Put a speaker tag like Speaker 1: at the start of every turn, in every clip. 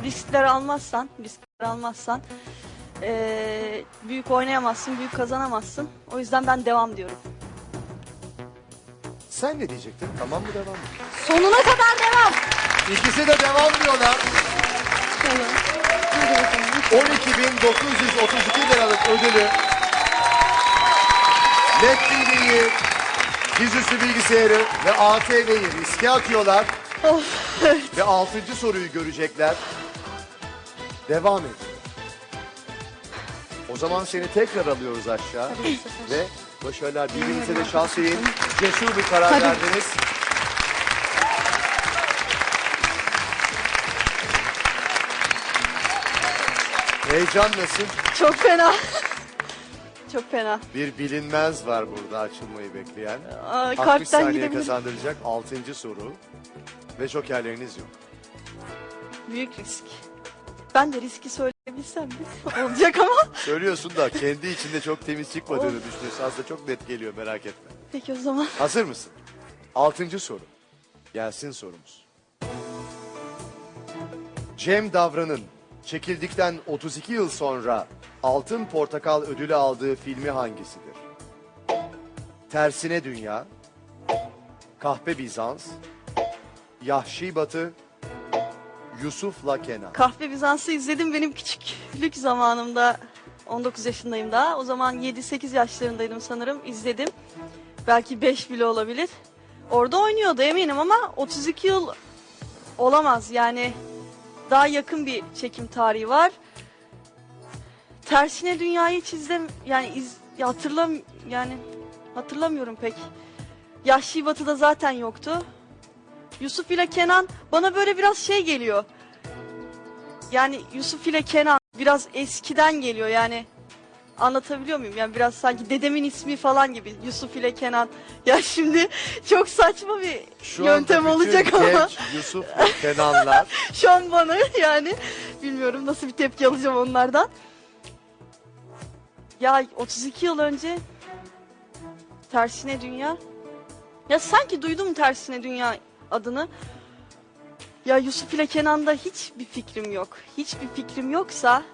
Speaker 1: riskler almazsan büyük oynayamazsın, büyük kazanamazsın. O yüzden ben devam diyorum.
Speaker 2: Sen ne diyecektin? Tamam mı, devam mı?
Speaker 1: Sonuna kadar devam.
Speaker 2: İkisi de devam diyorlar.
Speaker 1: Tamam. Hadi bakalım.
Speaker 2: 12.932 liralık ödülü LED TV'yi, dizüstü bilgisayarı ve ATV'yi riske atıyorlar.
Speaker 1: Of.
Speaker 2: Ve 6. soruyu görecekler. Devam edin. O zaman seni tekrar alıyoruz aşağı. Ve başarılar. Birbirinize de şans verin. Cesur bir karar verdiniz. Heyecan nasıl?
Speaker 1: Çok fena. Çok fena.
Speaker 2: Bir bilinmez var burada açılmayı bekleyen. 60
Speaker 1: Kalpten
Speaker 2: saniye
Speaker 1: gidebilir.
Speaker 2: kazandıracak 6. soru. Ve jokerleriniz yok.
Speaker 1: Büyük risk. Ben de riski söyleyebilsem de olacak ama.
Speaker 2: Söylüyorsun da kendi içinde çok temiz çıkmadığını düşünüyorsun. Aslında çok net geliyor, merak etme.
Speaker 1: Peki o zaman.
Speaker 2: Hazır mısın? 6. soru. Gelsin sorumuz. Cem Davran'ın çekildikten 32 yıl sonra Altın Portakal ödülü aldığı filmi hangisidir? Tersine Dünya, Kahpe Bizans, Yahşi Batı, Yusuf'la Kenan.
Speaker 1: Kahve Bizans'ı izledim benim küçüklük zamanımda. 19 yaşındayım daha. O zaman 7-8 yaşlarındaydım sanırım. İzledim. Belki 5 bile olabilir. Orada oynuyordu eminim ama 32 yıl olamaz. Yani daha yakın bir çekim tarihi var. Tersine Dünya'yı hiç hatırlamıyorum pek. Yahşi Batı'da zaten yoktu. Yusuf ile Kenan bana böyle biraz şey geliyor. Yani Yusuf ile Kenan biraz eskiden geliyor yani. Anlatabiliyor muyum? Yani biraz sanki dedemin ismi falan gibi. Yusuf ile Kenan. Ya şimdi çok saçma bir
Speaker 2: Şu
Speaker 1: yöntem
Speaker 2: anda bütün
Speaker 1: olacak ama.
Speaker 2: genç Yusuf ve Kenanlar
Speaker 1: Şu an bana yani bilmiyorum nasıl bir tepki alacağım onlardan. Ya 32 yıl önce Tersine Dünya. Ya sanki duydum Tersine Dünya adını. Ya Yusuf ile Kenan'da hiçbir fikrim yok. Hiçbir fikrim yoksa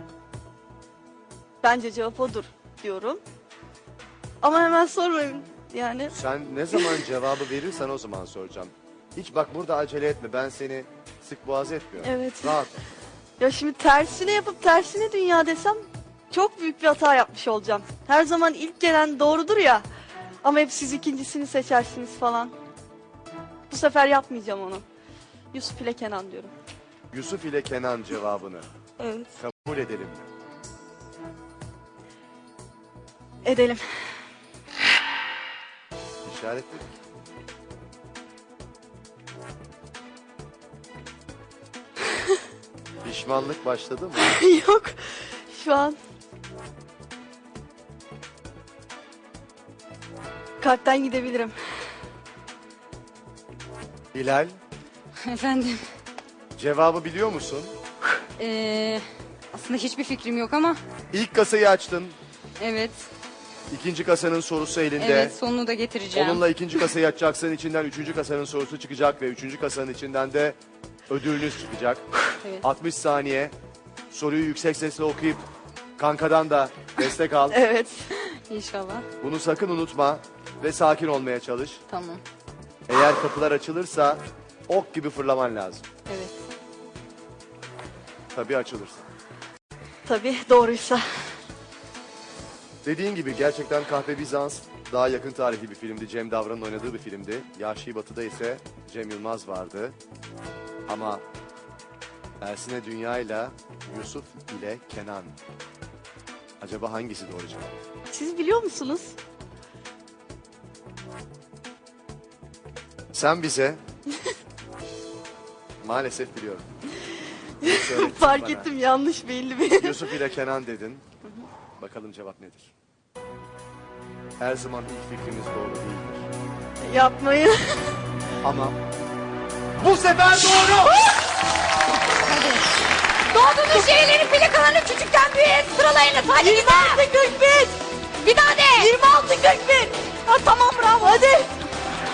Speaker 1: bence cevap odur diyorum. Ama hemen sormayın yani.
Speaker 2: sen ne zaman cevabı verirsen o zaman soracağım. Hiç bak burada acele etme, ben seni sık boğaz etmiyorum.
Speaker 1: Evet.
Speaker 2: Rahat ol.
Speaker 1: Ya şimdi tersine yapıp Tersine Dünya desem çok büyük bir hata yapmış olacağım. Her zaman ilk gelen doğrudur ya. Ama hep siz ikincisini seçersiniz falan. Bu sefer yapmayacağım onu. Yusuf ile Kenan diyorum.
Speaker 2: Yusuf ile Kenan cevabını
Speaker 1: Evet.
Speaker 2: kabul edelim mi?
Speaker 1: Edelim.
Speaker 2: İşaretledik. Pişmanlık başladı mı?
Speaker 1: Yok. Şu an kalpten gidebilirim.
Speaker 2: Hilal,
Speaker 3: Efendim,
Speaker 2: cevabı biliyor musun?
Speaker 3: aslında hiçbir fikrim yok ama
Speaker 2: İlk kasayı açtın.
Speaker 3: evet,
Speaker 2: İkinci kasanın sorusu elinde.
Speaker 3: evet sonunu da getireceğim.
Speaker 2: Onunla ikinci kasayı açacaksın. İçinden üçüncü kasanın sorusu çıkacak ve üçüncü kasanın içinden de ödülünüz çıkacak.
Speaker 3: Evet.
Speaker 2: 60 saniye. Soruyu yüksek sesle okuyup kankadan da destek al.
Speaker 1: Evet.
Speaker 3: İnşallah,
Speaker 2: Bunu sakın unutma ve sakin olmaya çalış.
Speaker 3: tamam,
Speaker 2: Eğer kapılar açılırsa ok gibi fırlaman lazım.
Speaker 3: evet.
Speaker 2: Tabii açılırsa.
Speaker 1: Tabii doğruysa.
Speaker 2: Dediğin gibi gerçekten Kahpe Bizans daha yakın tarihli bir filmdi. Cem Davran'ın oynadığı bir filmdi. Yahşi Batı'da ise Cem Yılmaz vardı. Ama Tersine Dünya ile Yusuf ile Kenan. Acaba hangisi doğru cevap?
Speaker 1: Siz biliyor musunuz?
Speaker 2: Sen bize maalesef biliyorum. Söyledin
Speaker 1: Fark
Speaker 2: bana.
Speaker 1: ettim yanlış belli bir.
Speaker 2: Yusuf ile Kenan dedin. Bakalım cevap nedir? Her zaman ilk fikrimiz doğru değildir.
Speaker 1: Yapmayın.
Speaker 2: Ama bu sefer doğru!
Speaker 3: Doğduğunuz şehirlerin plakalarını küçükten büyüğe sıralayınız, hadi
Speaker 1: 26 41.
Speaker 3: bir daha de!
Speaker 1: 26 41. Ha tamam bravo hadi.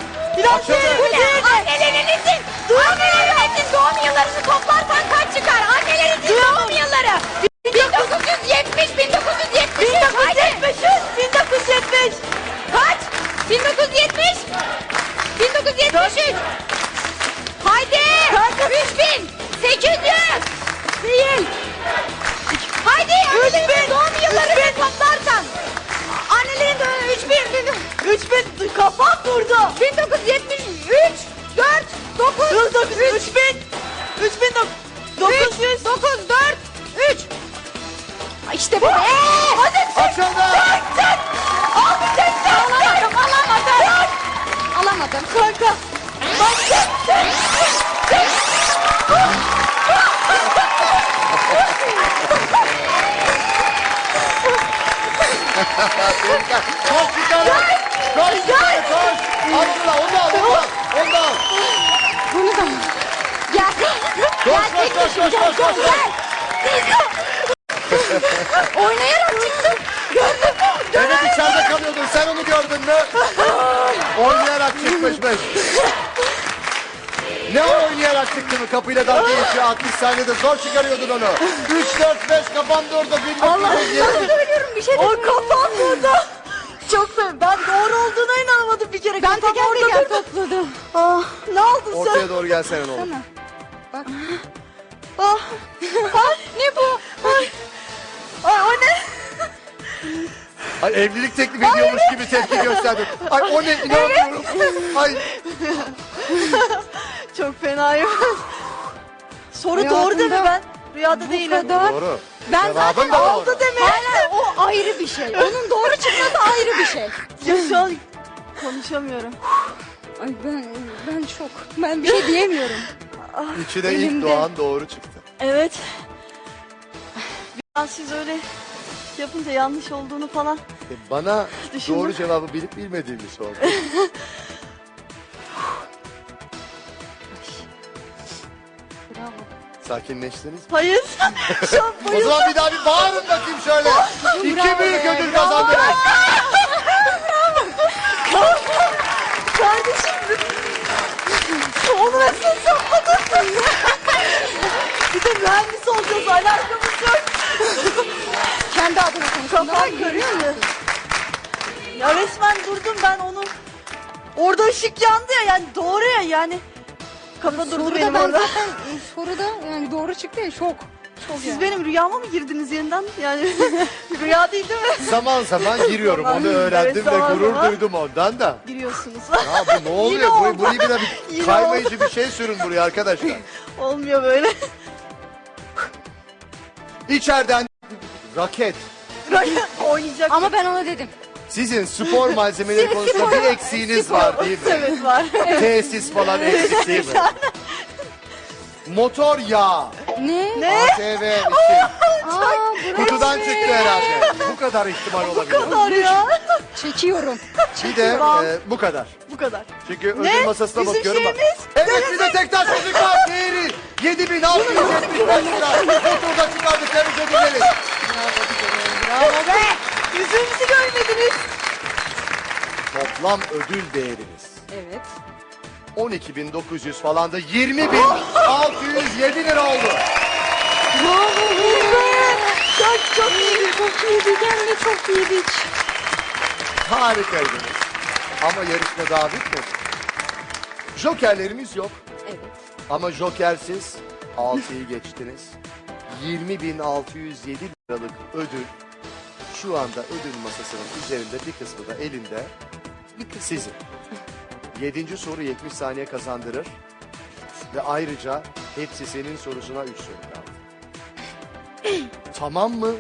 Speaker 1: Biraz
Speaker 2: Açıldı.
Speaker 1: şey.
Speaker 3: Annelerinizin doğum yıllarını toplarsan kaç çıkar?
Speaker 1: 3000 kafam durdu.
Speaker 3: 1973 4 9
Speaker 1: 900
Speaker 3: 9 4 3 İşte bu. Hadi
Speaker 2: Açıldı.
Speaker 3: alamadım.
Speaker 1: kanka.
Speaker 2: Koş yukarı. Koş yukarı koş. Abdullah onu al onu al. Onu al.
Speaker 3: Bunu da gel.
Speaker 2: Koş koş koş koş koş.
Speaker 3: Oynayarak çıktım.
Speaker 2: Evet içeride kalıyordun sen onu gördün mü? Oynayarak çıkmışmış. Ne o oynayarak çıktı mı? Kapıyla dalga geçiyor 60 saniyede zor çıkarıyordun onu. 3 4 5 kafam durdu.
Speaker 3: Allah söylüyorum bir şey de.
Speaker 1: O kafam burada. Çok sevindim. Ben doğru olduğuna inanmadım bir kere.
Speaker 3: Ben
Speaker 1: Kafam
Speaker 3: teker
Speaker 1: orada
Speaker 3: teker
Speaker 1: durdu.
Speaker 3: topladım.
Speaker 1: Ah, ne aldın sen?
Speaker 2: Ortaya doğru gelsene ne olur.
Speaker 3: Tamam. Bak.
Speaker 1: Ah,
Speaker 3: Ne bu?
Speaker 1: ay o ne?
Speaker 2: Ay evlilik teklifi ediyormuş gibi tepki gösterdin. Ay o ne inanmıyorum. Ay
Speaker 1: Çok fenayım. Soru
Speaker 3: Hayatımda
Speaker 1: doğru değil mi ben? Rüyada
Speaker 3: bu
Speaker 1: değilim.
Speaker 3: kadar.
Speaker 2: doğru.
Speaker 3: Ben
Speaker 2: Cevabın
Speaker 3: zaten
Speaker 2: da doğru.
Speaker 1: Aldı demek.
Speaker 3: Hayır, o ayrı bir şey. Onun doğru çıkması ayrı bir şey.
Speaker 1: Ya şu an konuşamıyorum.
Speaker 3: Ay ben şok. Ben bir şey diyemiyorum.
Speaker 2: İçine ilk
Speaker 3: Elimde.
Speaker 2: doğan doğru çıktı.
Speaker 1: Evet. Biraz siz öyle yapınca yanlış olduğunu falan.
Speaker 2: Bana
Speaker 1: Düşündüm.
Speaker 2: doğru cevabı bilip bilmediğimi sordu.
Speaker 3: Bravo.
Speaker 2: Sakinleştiniz mi?
Speaker 1: Hayır. Şu an
Speaker 2: O zaman bir daha bir bağırın bakayım şöyle. İki büyük ödül kazandınız.
Speaker 1: kardeşim. Onu nasıl sapladın? Bir de mühendis olacağız. Alakamız yok.
Speaker 3: Kendi adına konuştum.
Speaker 1: Kafam karıştı. Ya resmen durdum ben onu. Orada ışık yandı ya yani doğru ya yani. Kafa durdu
Speaker 3: Soruda
Speaker 1: benim
Speaker 3: ben
Speaker 1: orada.
Speaker 3: zaten soruda yani doğru çıktı ya şok.
Speaker 1: Siz benim rüyama mı girdiniz yeniden? Yani rüya değil mi?
Speaker 2: Zaman zaman giriyorum onu öğrendim
Speaker 1: Evet,
Speaker 2: ve
Speaker 1: zaman
Speaker 2: gurur
Speaker 1: zaman.
Speaker 2: duydum ondan da.
Speaker 1: Giriyorsunuz.
Speaker 2: Ya bu ne oluyor?
Speaker 1: Yine oldu.
Speaker 2: Burayı bir de bir
Speaker 1: Yine
Speaker 2: kaymayıcı bir şey sürün buraya arkadaşlar.
Speaker 1: Olmuyor böyle.
Speaker 2: İçeriden raket.
Speaker 1: Oynayacak.
Speaker 3: Ama ben ona dedim.
Speaker 2: Sizin spor malzemeleri konusunda bir eksiğiniz var değil mi?
Speaker 1: Evet var.
Speaker 2: Tesis falan eksik değil mi? Motor yağı.
Speaker 3: Ne?
Speaker 2: ATV için.
Speaker 3: Aa,
Speaker 2: Kutudan çıktı herhalde. Bu kadar ihtimal olabilir.
Speaker 1: Kadar ya.
Speaker 3: çekiyorum.
Speaker 2: Bir de
Speaker 1: Tamam.
Speaker 2: bu kadar.
Speaker 1: Bu kadar.
Speaker 2: Çünkü ödül
Speaker 1: Ne?
Speaker 2: masasına
Speaker 1: Bizim
Speaker 2: bakıyorum.
Speaker 1: şeyimiz?
Speaker 2: Evet bir de tek taş müzik var. Değeri 7.675 lira. Bu turda çıkardık temiz ödülleri.
Speaker 1: Bravo be. Yüzümüzü görmediniz.
Speaker 2: Toplam ödül değeriniz.
Speaker 3: Evet.
Speaker 2: 12.900 falan da 20.607 lira oldu.
Speaker 1: Çok iyi.
Speaker 3: Çok iyiydi. Hem de çok iyiydik.
Speaker 2: Harikaydınız. Ama yarışma daha bitmedi. Jokerlerimiz yok.
Speaker 3: Evet.
Speaker 2: Ama jokersiz 6'yı geçtiniz. 20.607 liralık ödül şu anda ödül masasının üzerinde bir kısmı da elinde
Speaker 3: Bir kız.
Speaker 2: sizin. 7. soru 70 saniye kazandırır. Ve ayrıca hepsi senin sorusuna 3 soru kaldı. Tamam mı?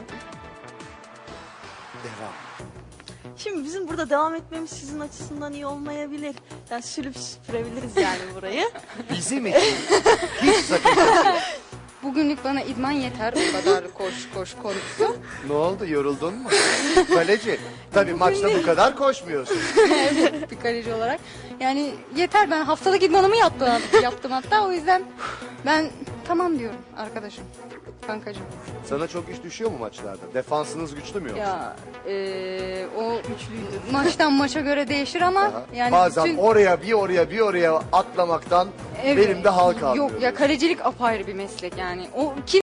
Speaker 2: Devam.
Speaker 1: Şimdi bizim burada devam etmemiz sizin açısından iyi olmayabilir. Yani sülüp süpürebiliriz yani burayı.
Speaker 2: Bizim için hiç sakınca yok.
Speaker 3: Bugünlük bana idman yeter. Bu kadar koş konusu.
Speaker 2: Ne oldu yoruldun mu? Kaleci. Tabii maçta bu kadar koşmuyorsun.
Speaker 3: Bir kaleci olarak. Yani yeter, ben haftalık idmanımı yaptım hatta, o yüzden ben tamam diyorum arkadaşım, kankacığım.
Speaker 2: Sana çok iş düşüyor mu maçlarda? Defansınız güçlü mü yoksa?
Speaker 3: Ya o maçtan maça göre değişir ama
Speaker 2: Aha.
Speaker 3: yani
Speaker 2: Bazen
Speaker 3: bütün-
Speaker 2: oraya bir oraya atlamaktan
Speaker 3: Evet.
Speaker 2: benim de hal kalmıyor.
Speaker 3: Yok ya, kalecilik apayrı bir meslek yani. O kim